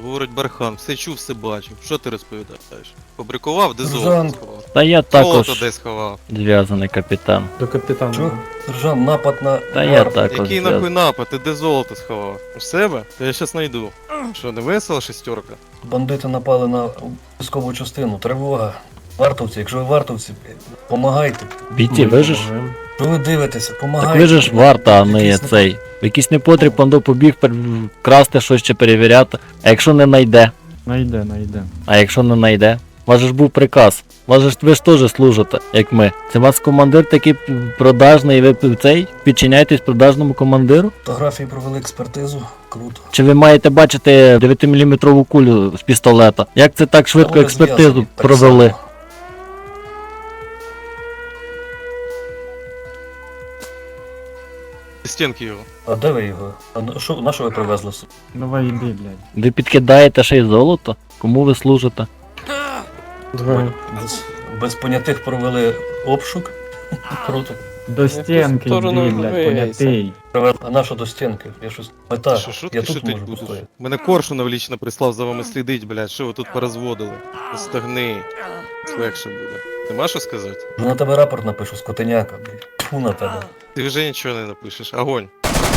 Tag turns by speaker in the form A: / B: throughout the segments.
A: говорить Бархан, все чув, все бачив. Що ти розповідаєш? Фабрикував, де золото
B: Сержант.
A: сховав?
C: Та я
A: Золото
C: також
A: де сховав?
C: зв'язаний капітан.
D: До капітана.
B: Чо? Сержант, напад на...
C: Та я також
A: Який нахуй
C: зв'язаний.
A: напад? Ти де золото сховав? У себе? Та я щас знайду. Що, не весела шестерка?
B: Бандити напали на військову частину. Тривога. Вартовці, якщо ви вартовці, помагайте.
C: Бійці, ви ж?
B: Що ви дивитеся, помагайте.
C: Так ви ж варта, а не
B: Якийсь не-
C: цей. В якийсь непотріб пандо побіг красти щось чи перевіряти. А якщо не найде?
D: Найде.
C: А якщо не найде? У вас же ж був приказ. Ви ж теж служите, як ми. Це у вас командир такий продажний, і ви цей підчиняєтесь продажному командиру?
B: Фотографії провели експертизу. Круто.
C: Чи ви маєте бачити 9-мм кулю з пістолета? Як це так швидко
B: Вони
C: експертизу
B: зв'язані, так
C: провели?
B: само.
A: Стінки його.
B: А де ви його? На що ви привезли?
D: Давай іди, блядь.
C: Ви підкидаєте ще й золото? Кому ви служите?
B: Без понятих провели обшук. Круто.
D: До стінки
E: сторону
D: йди, блядь,
E: вийся.
D: понятий.
B: А на що до стінки? Я щось... Мета.
A: Що
B: Я
A: ти
B: тут
A: шутить
B: можу
A: будеш?
B: постояти.
A: Мене Коршунов лічно прислав за вами слідить, блядь. Що ви тут порозводили? Стагни. Легше буде. Нема що сказати?
B: Вже на тебе рапорт напишу, скотиняка, блядь. Фу на тебе.
A: Ти вже нічого не напишеш. Огонь.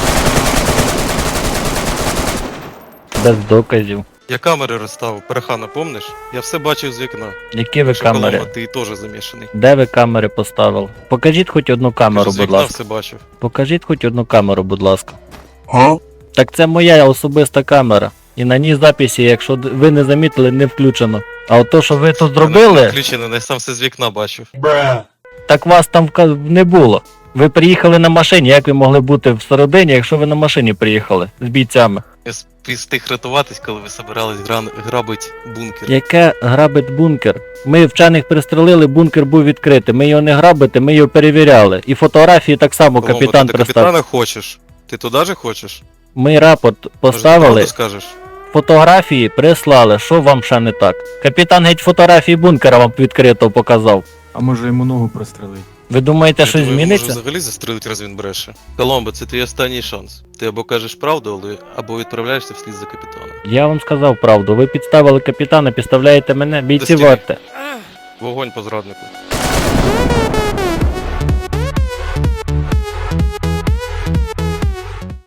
C: Без доказів.
A: Я камери розставив, Перехана, помниш? Я все бачив з вікна.
C: Які ви
A: Що
C: камери?
A: Коломба, ти теж замішаний.
C: Де ви камери поставили? Покажіть хоч одну камеру,
A: Кажу, з
C: будь
A: вікна
C: ласка.
A: все бачив.
C: Покажіть хоч одну камеру, будь ласка. Так це моя особиста камера. І на ній записі, якщо ви не замітили, не включено. А от то, що ви тут зробили,
A: Включено, я сам все з вікна бачив.
C: так вас там не було. Ви приїхали на машині, як ви могли бути всередині, якщо ви на машині приїхали з бійцями?
A: Я встиг рятуватись, коли ви собирались грабить бункер.
C: Яке грабить бункер? Ми вчених пристрелили, бункер був відкритий. Ми його не грабити, ми його перевіряли. І фотографії так само
A: Коломбо,
C: капітан
A: ти
C: представив.
A: капітана хочеш? Ти туди же хочеш?
C: Ми рапорт
A: Може,
C: поставили,
A: правду скажеш?
C: фотографії прислали, що вам ще не так? Капітан геть фотографії бункера вам відкрито показав.
D: А може йому ногу прострелить?
C: Ви думаєте,
A: Я
C: щось
A: думаю,
C: зміниться?
A: Може взагалі застрелить, раз він бреше. Коломбо, це твій останній шанс. Ти або кажеш правду, або відправляєшся вслід за капітаном.
C: Я вам сказав правду, ви підставили капітана, підставляєте мене, бійці
A: Достійний.
C: варте.
A: Вогонь по зраднику.